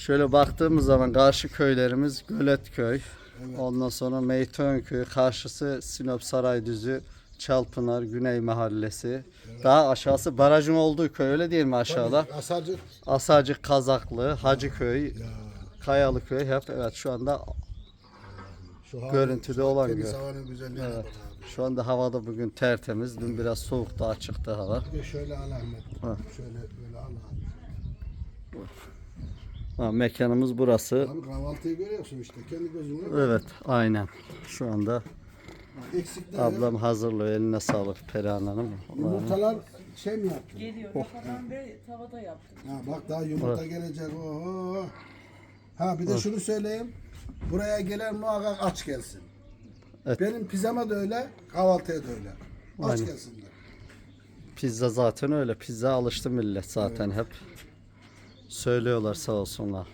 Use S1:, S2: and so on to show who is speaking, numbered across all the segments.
S1: Şöyle baktığımız zaman karşı köylerimiz Göletköy.
S2: Evet.
S1: Ondan sonra Meytönköy, karşısı Sinop Saraydüzü, Çalpınar, Güney Mahallesi. Daha aşağısı barajın olduğu köy, öyle değil mi aşağıda?
S2: Tabii, Asarcık.
S1: Asacık, Kazaklı, Hacıköy,
S2: Ya.
S1: Kayalıköy hep evet şu anda
S2: Şu hava-
S1: görüntüde
S2: şu
S1: olan
S2: temiz
S1: göl.
S2: havanın güzelliğine
S1: Evet.
S2: bak abi.
S1: Şu anda havada bugün tertemiz. Dün biraz soğuktu, açıktı hava.
S2: Bir de şöyle al Ahmet.
S1: Ha.
S2: Şöyle böyle al abi.
S1: Ha, mekanımız burası.
S2: Abi kahvaltıyı görüyorsun işte kendi gözünle.
S1: Evet, aynen. Şu anda
S2: Bak, eksikler
S1: ablam hazırlıyor. Eline sağlık Perihan Hanım.
S2: Yumurtalar şey mi yaptın?
S3: Geliyor. Rafadan ve tavada yaptım.
S2: Ha bak daha yumurta gelecek. Oo. Ha bir de şunu söyleyeyim. Buraya gelen muhakkak aç gelsin.
S1: Evet.
S2: Benim pizzama da öyle, kahvaltıya da öyle. Aç
S1: Aynen.
S2: gelsinler.
S1: Pizza zaten öyle. Pizza alıştı millet zaten hep. Söylüyorlar sağ olsunlar.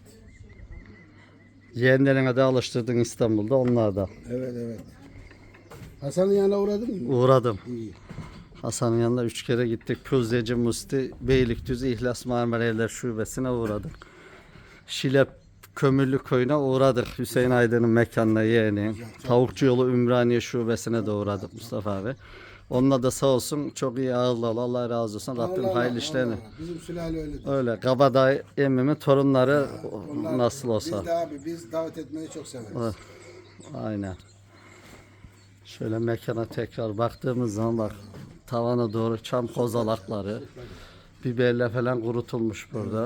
S1: Yeğenlerine de alıştırdın İstanbul'da, onlar da.
S2: Evet evet. Hasan'ın yanına uğradın mı?
S1: Uğradım.
S2: İyi.
S1: Hasan'ın yanına 3 kere gittik. Püzdeci Musti, Beylikdüzü İhlas Marmara Evler Şubesi'ne uğradık. Şile Kömürlü Köyü'ne uğradık. Hüseyin Aydın'ın mekanına yeğeni. Tavukçu Yolu Ümraniye Şubesi'ne de uğradık Mustafa abi. Onunla da sağ olsun çok iyi ağırladı. Allah razı olsun. Rabbim
S2: Allah
S1: hayırlı
S2: Allah,
S1: işlerini.
S2: Allah. Bizim sülale öyledir.
S1: Öyle. Kabadağ emmimin torunları
S2: Onlar-
S1: nasıl olsa.
S2: Biz de abi biz davet etmeyi çok severiz.
S1: Evet. Aynen. Şöyle mekana tekrar baktığımız zaman bak tavana doğru çam kozalakları, biberle falan kurutulmuş burada.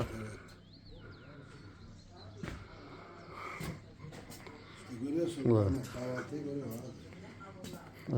S2: Görüyorsun.
S1: Evet.
S2: Ahmet, kahvaltıyı görüyor abi.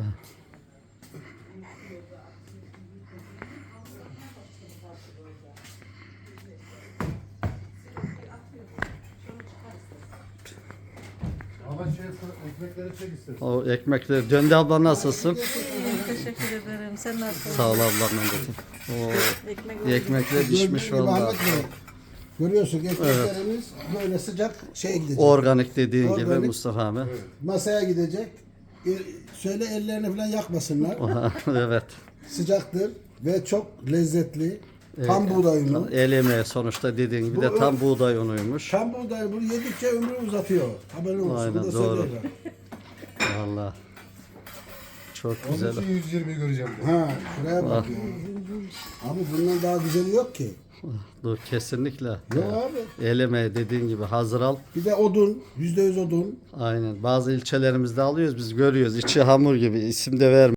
S2: Ama ekmekleri çek istedim.
S1: O ekmekleri. Döndü abla nasılsın?
S3: Teşekkür ederim. Sen nasılsın?
S1: Sağ ol ablam. O
S3: Ekmek
S1: ekmekler pişmiş vallahi.
S2: Ahmet Bey, görüyorsun ekmeklerimiz böyle sıcak şey gidecek.
S1: Organik dediğin gibi
S2: Organik.
S1: Mustafa abi.
S2: Masaya gidecek. Söyle ellerini falan yakmasınlar.
S1: Evet.
S2: Sıcaktır ve çok lezzetli. Tam buğday unu.
S1: El yemeği sonuçta dediğin gibi de tam buğday unuymuş.
S2: Tam buğday bunu yedikçe ömrü uzatıyor. Haberin olsun.
S1: Aynen,
S2: Bunu da
S1: doğru.
S2: söyleyeceğim.
S1: Vallahi. Çok
S4: Onun
S1: güzel.
S4: için 120 göreceğim.
S2: Ha, şuraya bak ya. Abi bundan daha güzeli yok ki.
S1: Dur kesinlikle.
S2: Yok abi.
S1: El yemeği dediğin gibi hazır al.
S2: Bir de odun, %100 odun.
S1: Aynen. Bazı ilçelerimizde alıyoruz biz, görüyoruz. İçi hamur gibi, isim de vermiyor.